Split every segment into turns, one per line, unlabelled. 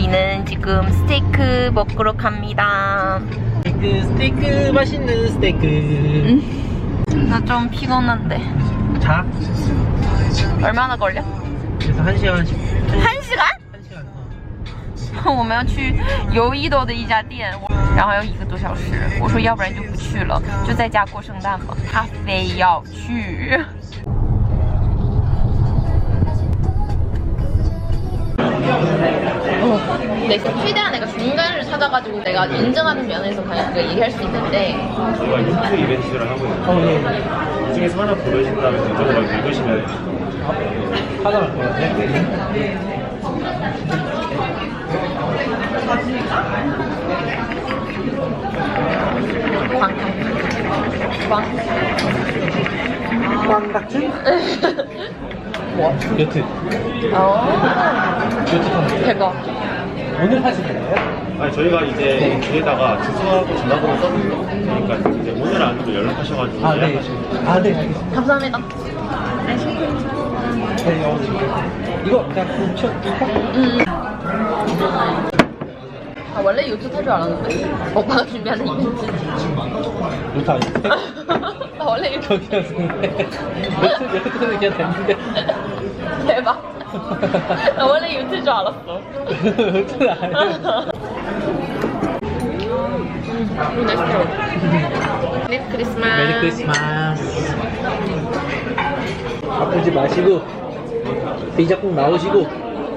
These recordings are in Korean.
저희는 지금 스테이크 먹으러 갑니다.
스테이크 맛있는 스테이크.
나 좀 피곤한데.
자.
얼마나 걸려?
그래서 1시간
1시간? 我们要去友谊多的一家店，然后还有1个多小时。我说要不然就不去了，就在家过圣诞吧。他非要去。 네, 최대한 내가 중간을 찾아가지고 내가 인정하는 면에서 그냥 그걸 얘기할 수 있는데
저희가 유튜브 이벤트를 하고 있는데 그 중에서 하나 고르신 다음에 이쪽으로 읽으시면
하나 할 것 같아. 꽝 같은? 뭐? 여트. 여트 판
대박.
오늘 하시는 거예요?
아니 저희가 이제 뒤에다가 주소하고 전화번호 써놓으니까 이제 오늘 안으로 연락하셔가지고
아, 네.
예약하시면 돼요.
아, 네, 알겠습니다.
감사합니다.
네, 이거 그냥 굽혀줄까?
아, 원래 요트 탈 줄 알았는데 오빠가 준비하는 이벤트.
요트 아닌데?
나 원래 이렇게
여기였는데 여트는 그냥 됐는데
대박. 나 원래 요트인 줄 알았어.
요트는 아니야.
메리 크리스마스.
메리 크리스마스. 아프지 마시고 비자 꼭 나오시고.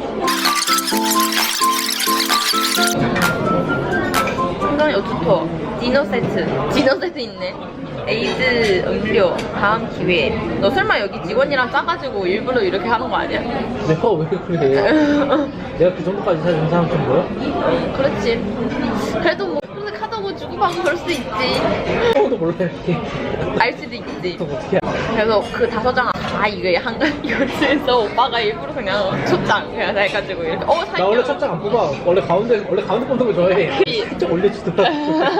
한강 요트 투어 디너 세트 있네. 에이드 음료 다음 기회에. 너 설마 여기 직원이랑 짜가지고 일부러 이렇게 하는 거 아니야?
내가 왜 그래? 내가 그 정도까지 사준 사람 좀 뭐야?
그렇지. 그래도 뭐 카드고 주고받고 그럴 수도 있지.
아무도 몰라 이렇게.
알 수도 있지.
그럼 어떻게 해?
그래서 그 5장 다 이게 한강 요트에서 오빠가 일부러 그냥 초장 그냥 다 해가지고 이렇게
나 원래 첫장 안 뽑아. 원래 가운데 뽑는 거 좋아해. 살짝 올려주더라고.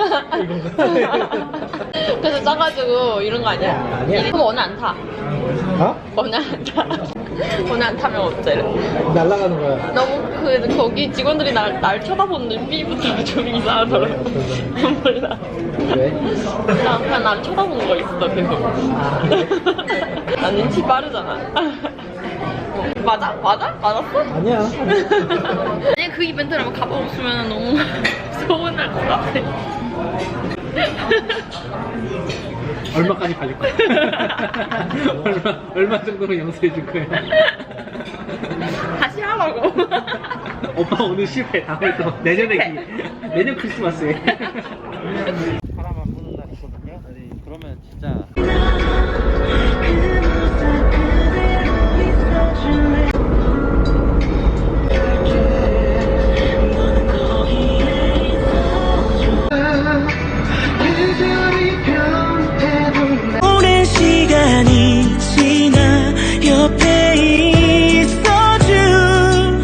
그래서 짜가지고 이런 거 아니야?
아니야.
그럼 오늘 안 타.
어?
오늘 안 타. 오늘 안 타면 어쩌래?
날아가는 거야.
너무 거기 직원들이 날 쳐다보는 눈빛부터 좀 이상하더라. 몰라.
왜?
나 그냥 나를 쳐다보는 거 있어 계속.
아,
나 눈치 빠르잖아. 맞아? 맞았어?
아니야.
만약에 그 이벤트를 한번 가봐봤으면 너무 서운할 것 같아.
얼마까지 봐줄 거야? 얼마 정도로 양수해 줄 거야?
다시 하라고.
오빠 오늘 실패. 다음에 또 내년에 기회. 내년 크리스마스에. 바람 안 부는 날 있거든요. 그러면 진짜.
오랜 시간이 지나 옆에 있어준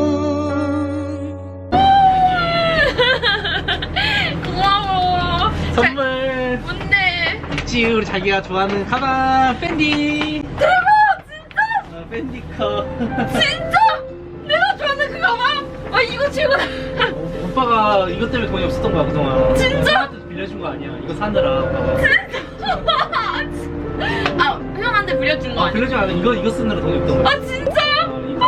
고마워.
선물.
뭔데?
있지 우리 자기가 좋아하는 가방 밴디.
대박 진짜?
밴디 컵.
진짜? 내가 좋아하는 그 가방? 아 이거 최고다.
오빠가 이것 때문에 돈이 없었던 거야 그동안.
진짜?
형한테 빌려준 거 아니야. 이거 사느라.
아 형한테 빌려준 거 아니야?
빌려준 거 아니야. 이거 쓰느라 돈이 없던 거야.
아 진짜요?
이거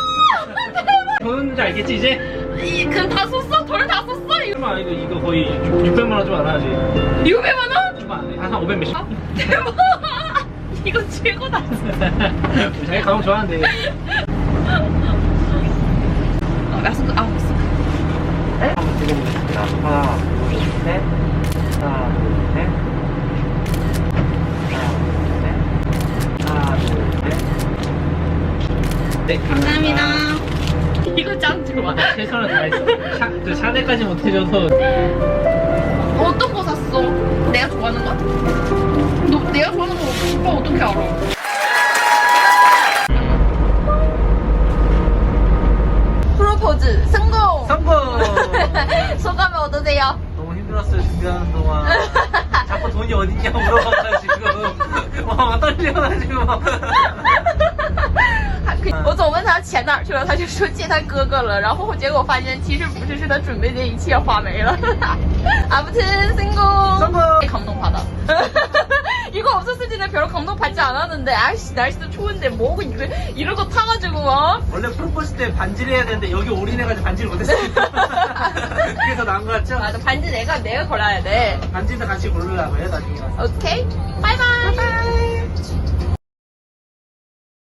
돈인지 알겠지 이제?
그럼 다 썼어? 돈 다 썼어? 이거
설마 이거 거의 600만 원 좀 안 하지?
600만 원?
좀 안 해. 한 500 몇십?
아, 대박. 이거 최고다.
자기 가방 좋아하는데.
마스크 없어.
한번 찍어보겠습니다. 하나, 둘, 셋. 하나, 둘, 셋. 하나, 둘, 셋. 네,
감사합니다. 이거 짱 좋아.
최선을 다했어. 그 샤넬까지 못해줘서.
어떤 거 샀어? 내가 좋아하는 거? 너 내가 좋아하는 거 오빠 어떻게 알아? 프로포즈 성공!
성공!
소감이 어떠세요?
너무 힘들었어요, 준비하는 동안. 자꾸 돈이 어딨냐고 물어봐가지고. 와, 떨려가지고.
我总问他钱哪儿去了，他就说借他哥哥了，然后结果发现其实不是，是他准备的一切花没了。 아무튼 성공! 감동받아. 이거 없었을 때 별로 감동받지 않았는데 아이씨 날씨도 추운데 뭐고 이런 거 타가지고 뭐.
원래 프로포즈 때 반지를 해야 되는데 여기 올인해가지고 반지를 못했어. 그래서 나은 거 같죠?
맞아 반지 내가 골라야 돼.
반지도 같이 고르려고 해 나중에.
오케이 바이바이.